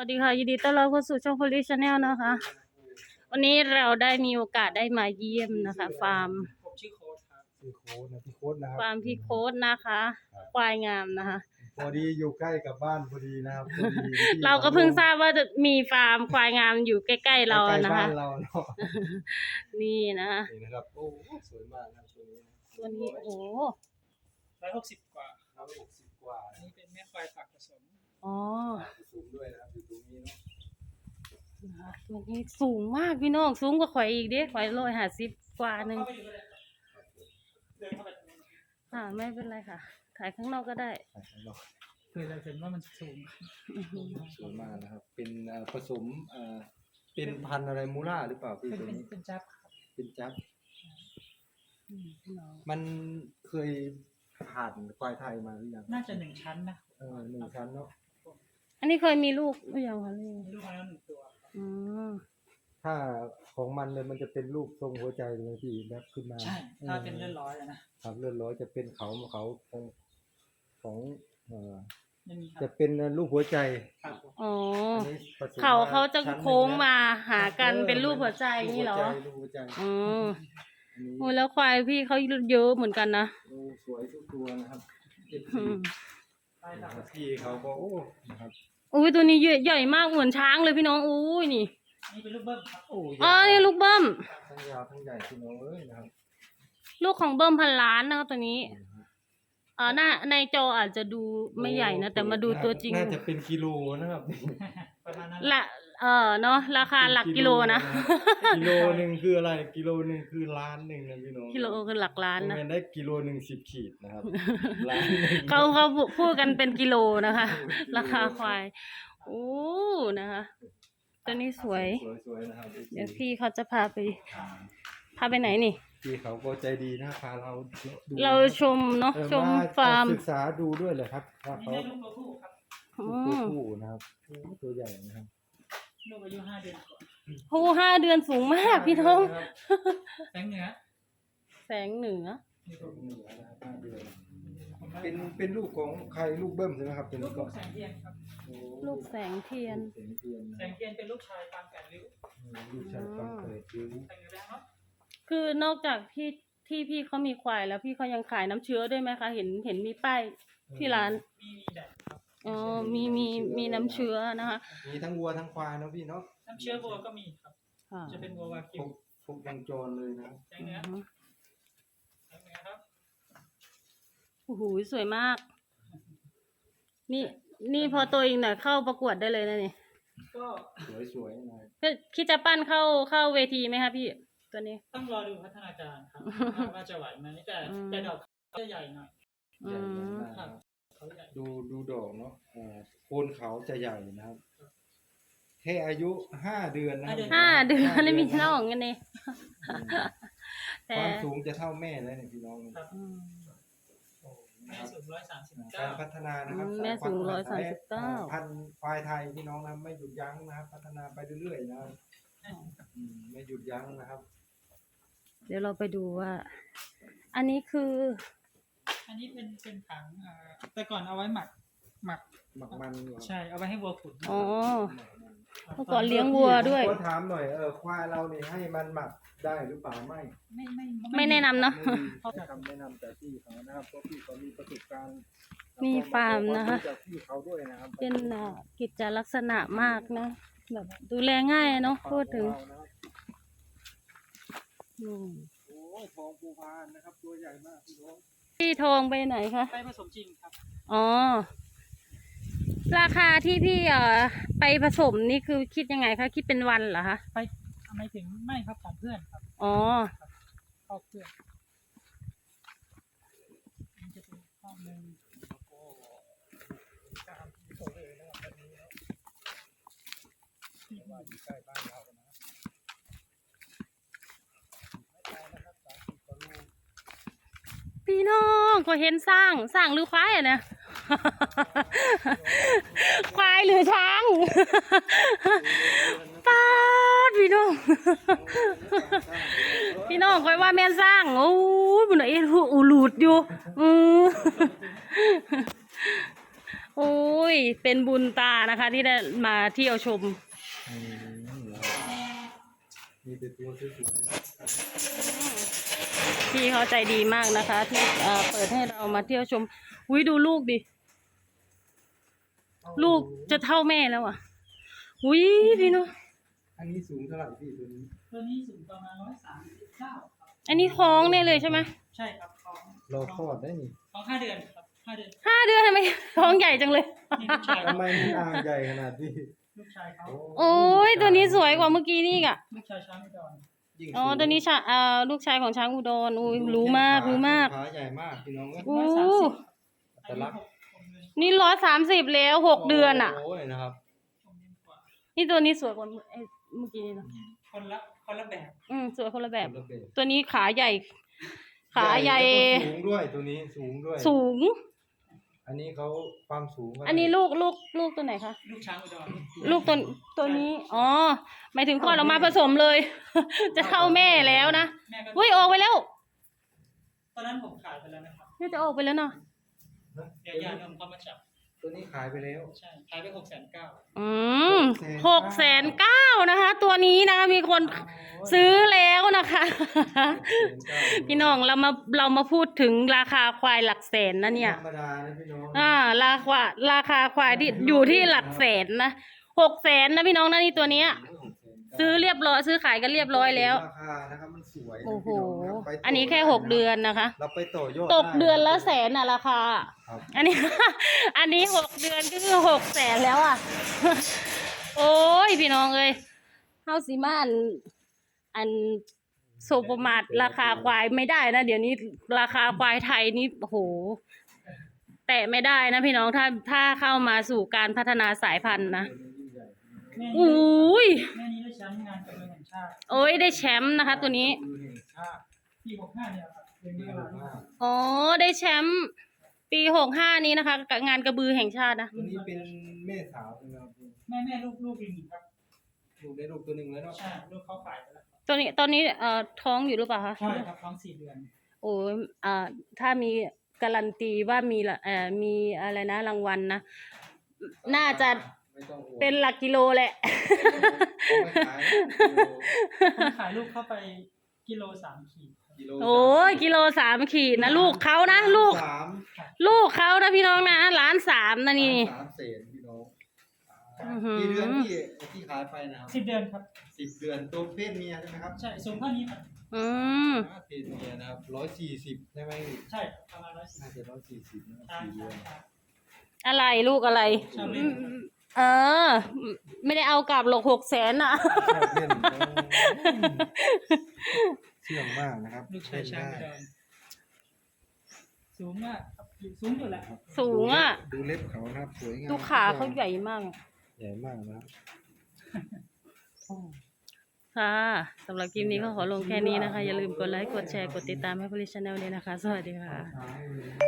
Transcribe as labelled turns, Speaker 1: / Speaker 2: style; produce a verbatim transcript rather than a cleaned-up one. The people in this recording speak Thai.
Speaker 1: วัสดีค่ะยินดีต้อนรับเข้าสู่ช่อง Police Channel นะคะ วันนี้เราได้มีโอกาสได้มาเยี่ยมนะคะฟาร์ม
Speaker 2: ผมชื่อโค้ดครับ
Speaker 3: ชื่อโค้ดนะพี่โค้ดนะครับ
Speaker 1: ฟาร์มพี่โค้ดนะคะควายงามนะคะ
Speaker 3: พอดีอยู่ใกล้กับบ้านพอดีนะครับพอดี
Speaker 1: เราก็เพิ่งทราบว่าจะมีฟาร์มควายงามอยู่ใกล้ๆเรา
Speaker 3: ใกล้
Speaker 1: นะ
Speaker 3: บ้า
Speaker 1: คะ
Speaker 3: นเราเนาะ
Speaker 1: นี่นะคะ
Speaker 3: นี่นะครับโอ้สวยมากนะตัวนี้นะ
Speaker 1: ตัวนี้โอ้โห
Speaker 2: ร้อยหกสิบกว่า
Speaker 3: ร้อยหกสิบกว่า
Speaker 2: อันนี้เป็นแม่ควายฝากผสม
Speaker 1: อ๋อ
Speaker 3: ผสมด้วยนะครับอยู่ตรงนี้เนาะ
Speaker 1: นะคะตัวนี้สูงมากพี่น้องสูงกว่าข่อยอีกเด้ข่อยร้อยห้าสิบกว่าหนึ่ง
Speaker 2: เข้าไปดูเลยเดินเข้าไปตรงนี้
Speaker 1: อ่าไม่เป็นไรค่ะ ถ่ายข้างนอกก็ได้
Speaker 3: ใช่ครับเนาะ
Speaker 2: คือเราเห็นว่ามันสูง
Speaker 3: สวยมากนะครับเป็นเอ่อผสมเอ่อเป็นพันธุ์อะไรมูล่าหรือเปล่าพี่
Speaker 2: เป็น
Speaker 3: ตัว
Speaker 2: เป็น
Speaker 3: นี้
Speaker 2: เป็นจับครับ
Speaker 3: เป็นจับ
Speaker 1: อืมพี่น้อง
Speaker 3: มันเคยผ่านควายไทยมาหรือยัง
Speaker 2: น่าจะหนึ่งชั้นนะ
Speaker 3: เออหนึ่งชั้นเนาะ
Speaker 1: อันนี้เคยมีลูกหรือยังคะลูก
Speaker 2: มีลูกมาแล้วหนึ่งตัวครับ
Speaker 1: อืม
Speaker 3: ถ้าของมันเลยมันจะเป็นรูปทรงหัวใจเลยพี่แบบขึ้นมา
Speaker 2: ใช่ถ้าเป็นเลือดร้อยอะนะครับ
Speaker 3: เลือดร้อยจะเป็นเขาเขาของของเอ่อ
Speaker 2: ยังมีค
Speaker 3: จะ
Speaker 2: รับ
Speaker 3: เป็นรูปหัวใจ
Speaker 2: ครับผม
Speaker 1: อ๋อ
Speaker 3: อันนี้ผสม
Speaker 1: เขา
Speaker 3: ม
Speaker 1: เขาจะ
Speaker 3: ชั้นหนึ่
Speaker 1: โค้ง
Speaker 3: นะ
Speaker 1: มาหากันเป็นรูปหัวใจนี่เหรอ
Speaker 3: รูปหัวใจ
Speaker 1: อืม
Speaker 3: อันนี้
Speaker 1: โอ้แล้วควายพี่เขาเยอะเหมือนกันนะ
Speaker 3: โอ้สวยทุกตัวนะครับ
Speaker 1: อืม
Speaker 2: ใช่ครับ
Speaker 3: พี่เขาก็โอ้นะครับ
Speaker 1: อุ้ยตัวนี้ใหญ่มากเหมือนช้างเลยพี่น้องอุ้ยนี่
Speaker 2: อันนี้เป็นลูกเบิ้มครับ
Speaker 3: โอ้
Speaker 1: อ๋อนี่ลูกเบิ้ม
Speaker 3: ทั้งยาวทั้งใหญ่พี่น้องเอ้ยนะครับ
Speaker 1: ลูกของเบิ้มพันล้านนะครับตัวนี้อ่าหน้าในจออาจจะดูไม่ใหญ่นะแต่มาดูตัวจริง
Speaker 3: น่าจะเป็นกิโลนะครับ
Speaker 2: ประมาณนั้น
Speaker 1: ละเออเนาะราคาหลักกิโลนะ
Speaker 3: กิโลหนึ่งคืออะไรกิโลหนึ่งคือล้านหนึ่งนะพี่น้อง
Speaker 1: กิโลคือหลักล้านนะ
Speaker 3: มันได้กิโลหนึ่งสิบขีดนะครับล้านหนึ่ง
Speaker 1: เขาเขาพูดกันเป็นกิโลนะคะ ราคาควายโอ้นะคะตัวนี้สวย
Speaker 3: สวยๆนะครับ
Speaker 1: เดี๋ยวพี่เขาจะพาไปพาไปไหนนี่
Speaker 3: พี่เขาก็ใจดีนะพาเราดู
Speaker 1: เราชมเนาะ
Speaker 3: เออ
Speaker 1: ชม
Speaker 3: มา
Speaker 1: ฟาร์ม
Speaker 3: ศึกษาดูด้วยเลยครับว่า
Speaker 2: อันนี้
Speaker 3: เขา
Speaker 2: ได้ลูกตัวผู้ครับ
Speaker 1: อื
Speaker 3: ตัว
Speaker 1: ม
Speaker 3: ผู้นะครับโอ้ตัวใหญ่นะครับ
Speaker 2: ลูกอายุห้าเดือนกว่า
Speaker 1: โอ้ห้าเดือนสูงมากพี่น้อง
Speaker 2: แสงเหนือ
Speaker 1: แสงเหนือ
Speaker 2: นี่ตัวผู้
Speaker 3: เหนือนะครับห้าเดือนเป็นเป็นลูกของใครลูกเบิ้มใช่ไหมครับเป็น
Speaker 2: ลูก
Speaker 3: ก็
Speaker 2: ลูกแสงเทียนครับ
Speaker 3: โอ้
Speaker 1: ลูกแสงเทียน
Speaker 3: ลูกแสงเทียน
Speaker 2: แสงเทียนเป็นลูกชายปางแปดริ้ว
Speaker 3: ลูกชายฟังเปิดดู
Speaker 2: แสงเหนือแล้วเนาะ
Speaker 1: คือนอกจากที่ที่พี่เขามีควายแล้วพี่เขายังขายน้ำเชื้อด้วยไหมคะ เห็นเห็นมีป้ายที่ร้าน
Speaker 2: มีมีแดดครับ
Speaker 1: อ๋อมีมีมีน้ำเชื้อนะคะ
Speaker 3: มีทั้งวัวทั้งควายเนาะพี่เนาะ
Speaker 2: น้ำเชื้อวัวก็มีครับ
Speaker 1: ค่ะ
Speaker 2: จะเป็นวัววา
Speaker 3: ค
Speaker 2: กิ
Speaker 3: ร
Speaker 2: ว
Speaker 3: บครบวงจรเลยนะ
Speaker 2: แสงเหนือแสงเหนือครับ
Speaker 1: โอ้โหสวยมาก นี่นี่พอตัวเองน่ะเข้าประกวดได้เลยนะนี่
Speaker 2: ก็
Speaker 3: สวยๆหน่อย
Speaker 1: ก็คิดจะปั้นเข้าเข้าเวทีไหมคะพี่ตัวนี้
Speaker 2: ต้องรอดูพัฒนาการครับ ว่าจะไหวไหมแต่
Speaker 1: อืม
Speaker 2: แต่ดอกเขาจะใหญ่หน่อย
Speaker 1: อื
Speaker 3: ใหญ่
Speaker 1: ม
Speaker 3: มาก
Speaker 2: ครั
Speaker 3: นะ
Speaker 2: บ
Speaker 3: ครับ
Speaker 2: เขาใหญ่
Speaker 3: ดูดูดอกเนาะอ่าโคนเขาจะใหญ่นะครับแค่อายุห้าเดือนนะครับ
Speaker 1: ห้าเดือนแล้วมี
Speaker 3: ห้า
Speaker 1: น้
Speaker 3: เดื
Speaker 1: องกันนี่
Speaker 3: อืม
Speaker 1: แต่
Speaker 3: ความสูงจะเท่าแม่แล้วเนี่ยพี่น้องเนี่ย
Speaker 2: ครับ
Speaker 1: อืม
Speaker 2: แม่สูงร้อยสามสิบ
Speaker 3: กา
Speaker 2: เก้าร
Speaker 3: พัฒนานะครับ
Speaker 1: อืมแม่สูงร้อยสามสิบเก้า
Speaker 3: พันธุ์ควายไทยพี่น้องนะไม่หยุดยั้งนะครับ พัฒนาไปเรื่อยๆนะครับอืมไม่หยุดยั้งนะครับ
Speaker 1: เดี๋ยวเราไปดูว่า อันนี้คือ
Speaker 2: อันนี้เป็นเป็นถังอ่าแต่ก่อนเอาไว้หมักหมัก
Speaker 3: หมักมันเหรอ
Speaker 2: ใช่เอาไว้ให้วัวขุน
Speaker 1: อ๋อ
Speaker 3: หมักมัน
Speaker 1: เมื่อก่อนเลี้ยงวัวด้วย
Speaker 3: ก็ถามหน่อยเออควายเราเนี่ยให้มันหมักได้หรือเปล่าไม่
Speaker 2: ไม่ไม่
Speaker 1: ไม่แนะนำเนาะ
Speaker 3: ไม่มีให้คำแนะนำจากพี่เขานะครับเพราะพี่เขามีประสบการณ์
Speaker 1: มีฟาร์มนะคะ
Speaker 3: จากพี่เขาด้วยนะครับ
Speaker 1: เป็นอ่ากิจลักษณะมากนะแบบดูแลง่ายเนาะพูดถึง
Speaker 3: ของเรานะครับ
Speaker 1: อืม
Speaker 3: โอ้ยทองภูพานนะครับตัวใหญ่มากพี่น้อง
Speaker 1: พี่ทองไปไหนคะ
Speaker 2: ไปผสมจริงครับ
Speaker 1: อ๋อ ราคาที่พี่เอ่อไปผสมนี่คือคิดยังไงคะ คิดเป็นวันเหรอคะ
Speaker 2: ไปทำไมถึงไม่ครับของเพื่อนครับ
Speaker 1: อ๋อ
Speaker 2: เข้าเพื่อนมันจะเป็นข้อหนึ่งตามที่เขาเลยนะครับวันนี้แล้วที่ว่าอยู่ใกล้บ้านเรานะครับไม่ไกลนะครับสามสิบกว่าโล
Speaker 1: พี่น้องก็เห็นสร้างสร้างหรือควายอะเนี่ย ควายหรือช้าง ป้าดพี่น้อง พี่น้องคอยว่าแม่นสร้างโอ้ยบุญเอ็ดอูหลุดอยู่อือโอ้โอ้ยเป็นบุญตานะคะ ที่ได้มาเที่ยวชม
Speaker 3: อืมมีแต่ตัวสวย
Speaker 1: พี่เขาใจดีมากนะคะ ที่เอ่อเปิดให้เรามาเที่ยวชมอุ้ยดูลูกดิ
Speaker 3: ๆ
Speaker 1: ลูกจะเท่าแม่แล้วอ่ะอุ้ยพี่เนาะ
Speaker 3: อันนี้สูงเท่าไหร่พี่ตัวนี้
Speaker 2: ตัวนี้สูงประมาณร้อยสามสิบเก้าครับ
Speaker 1: อันนี้ท้องเนี่ยเลยใช่ไหม
Speaker 2: ใช่ครับท้อง
Speaker 3: รอคลอดได้นี่
Speaker 2: ท้องห้าเดือนครับห้าเดือน
Speaker 1: ห้าเดือนทำไมท้องใหญ่จังเลย
Speaker 2: นี่ลูกชาย
Speaker 3: ทำไมมันอ่างใหญ่ขนาดนี้
Speaker 2: ลูกชายเขา
Speaker 1: โอ้ยตัวนี้สวยกว่าเมื่อกี้นี่อีกอ่ะ
Speaker 2: ลูกชายช้างอุดร
Speaker 3: ยิ่ง
Speaker 1: อ๋อ
Speaker 3: สูง
Speaker 1: ตัวนี้ชาเอ่อลูกชายของช้างอุดรอุ้ยรู้มากรู้มาก
Speaker 3: ขาใหญ่มากพี่น้องเอ้ย
Speaker 1: อู้
Speaker 3: แต่รัก
Speaker 1: นี่ร้อยสามสิบแล้วหกเดือนอ่ะ
Speaker 3: โอ้ยนะครับ
Speaker 1: นี่ตัวนี้สวยกว่าไอ้เมื่อกี้นี่เนอะ
Speaker 2: คนละคนละแบบ
Speaker 1: อืมสวยคนละแบบ
Speaker 3: คนละแบบ
Speaker 1: ตัวนี้ขาใหญ่ ขาใหญ่
Speaker 3: แล้วก็สูงด้วยตัวนี้สูงด้วย
Speaker 1: สูง
Speaker 3: อันนี้เขาความสูงก็
Speaker 1: อันนี้ลูกลูกลูกตัวไหนคะ
Speaker 2: ลูกช้างอุดร
Speaker 1: ลูกตัวตัวนี้ อ๋อหมายถึงก่อนเรามาผสมเลย จะเข้าแม่แล้วนะ
Speaker 2: แม่ก็
Speaker 1: อุ้ยออกไปแล้ว
Speaker 2: ตอนนั้นผมขายไปแล้วนะครับ
Speaker 1: นี่จะออกไปแล้วเนาะ
Speaker 2: เดี๋ยวญาตินมเข้ามาจับ
Speaker 3: ตัวนี้ขายไปแล้ว
Speaker 2: ใช่ขายไปหกแสนเก้า
Speaker 1: อืมหกแสนเก้านะคะ ตัวนี้นะคะมีคนซื้อแล้วนะคะ พี่น้องเรามาเรามาพูดถึงราคาควายหลักแสนนะเนี่ย
Speaker 3: ธรรมดานะพี่น้อง
Speaker 1: อ่าราคาราคาควายที่อยู่ที่หลักแสนนะหกแสนนะพี่น้องนะนี่ตัวเนี้ย ซื้อเรียบร้อยซื้อขายกันเรียบร้อยแล้ว
Speaker 3: ราคานะครับมันสวยนะ
Speaker 1: โอ้โห
Speaker 3: พี่น้งะไปต่
Speaker 1: อันนี้แค่หกเดือนนะคะ
Speaker 3: เราไปต่อยอด
Speaker 1: ตกเดือนละแสนน่ะราคา
Speaker 3: ครับ
Speaker 1: อันนี้ อันนี้หกเดือนก็คือหกแสนแล้วอ่ะ โอ้ยพี่น้องเอ้ยเฮาสิมาอันอันโซประมาทราคาควายไม่ได้นะเดี๋ยวนี้ราคาควายไทยนี่โอ้โห แตะไม่ได้นะพี่น้องถ้าถ้าเข้ามาสู่การพัฒนาสายพันธุ์นะ
Speaker 2: แม่
Speaker 1: อ
Speaker 2: นี้
Speaker 1: ุ้ย
Speaker 2: แม่นี้ได้แชมป์งานกระเบื้องแห่งชาติ
Speaker 1: โอ้ยได้แชมป์นะคะ ตัวนี้
Speaker 3: มือแห่งชาติ
Speaker 2: ปีหกห้าเนี่ยครับเดือนมกราคม
Speaker 1: อ๋อได้แชมป์ปีหกห้านี้นะคะกับงานกระบือแห่งชาตินะ
Speaker 3: ตัวนี้เป็นแม่สาวใช่ไหมครับ
Speaker 2: แม่แม่ลูกลูกลิงครับ
Speaker 3: ลูกได้ลูกตัวหนึ่งแล้วเนาะ
Speaker 2: ใช่ลูกเขาขายไปแล้ว
Speaker 1: ตัวนี้ตอนนี้เอ่อท้องอยู่หรือเปล่าคะ
Speaker 2: ใช่ครับท้องสี่เดือน
Speaker 1: โอ้ยอ่าถ้ามีการันตีว่ามีละเอ่อมีอะไรนะรางวัลนะ น่าจะ
Speaker 3: ไม่ต้องห่วง
Speaker 1: เป็นหลักกิโลแหละ
Speaker 3: เอาไปขายนะ
Speaker 2: ผมขายลูกเข้าไปกิโลสามขีดครับ
Speaker 3: กิโล
Speaker 1: โอ้ยกิโลสามขีดนะลูกเขานะลูก
Speaker 3: สาม
Speaker 1: ลูกเขานะพี่น้องนะล้านสามนะนี่
Speaker 3: สามเศษพี่น้อง
Speaker 1: อื้อหือ
Speaker 3: กี่เดือนที่ที่ขายไปนะครับ
Speaker 2: สิบเดือนครับ
Speaker 3: สิบเดือนตัวเพศเมียใช่ไหมครับ
Speaker 2: ใช่สูงเท่านี้ครับ
Speaker 1: อืม
Speaker 3: อ่าเพศเมียนะครับร้อยสี่สิบใช่ไหม
Speaker 2: ใช่ครับประมาณร้อยสิบ
Speaker 3: น่าจะร้อยสี่สิบนะครับ
Speaker 2: ช้าง
Speaker 3: สี่เดื
Speaker 2: ช้า
Speaker 3: อง น
Speaker 2: ช้าง
Speaker 1: อะไรลูกอะไร
Speaker 2: ชอบเล่นครับ
Speaker 1: เออ ไม่ได้เอากลับหรอกหกแสนอ่ะ
Speaker 3: ชอบเล่นเชื่องมากนะครับ
Speaker 2: ลูกชายช้างอุดรสูงมากครับสูงอยู่แหละ
Speaker 1: สูงอ่ะ
Speaker 3: ดูเล็บเขานะครับสวยงาม
Speaker 1: ดูขาเขาใหญ่มาก
Speaker 3: ใหญ่มากนะครับ
Speaker 1: ค่ะสำหรับคลิปนี้ก็ขอลงแค่นี้นะคะ อย่าลืมกดไลค์ กดแชร์ กดติดตามให้พลิชแนลด้วยนะคะ สวัสดีค่ะ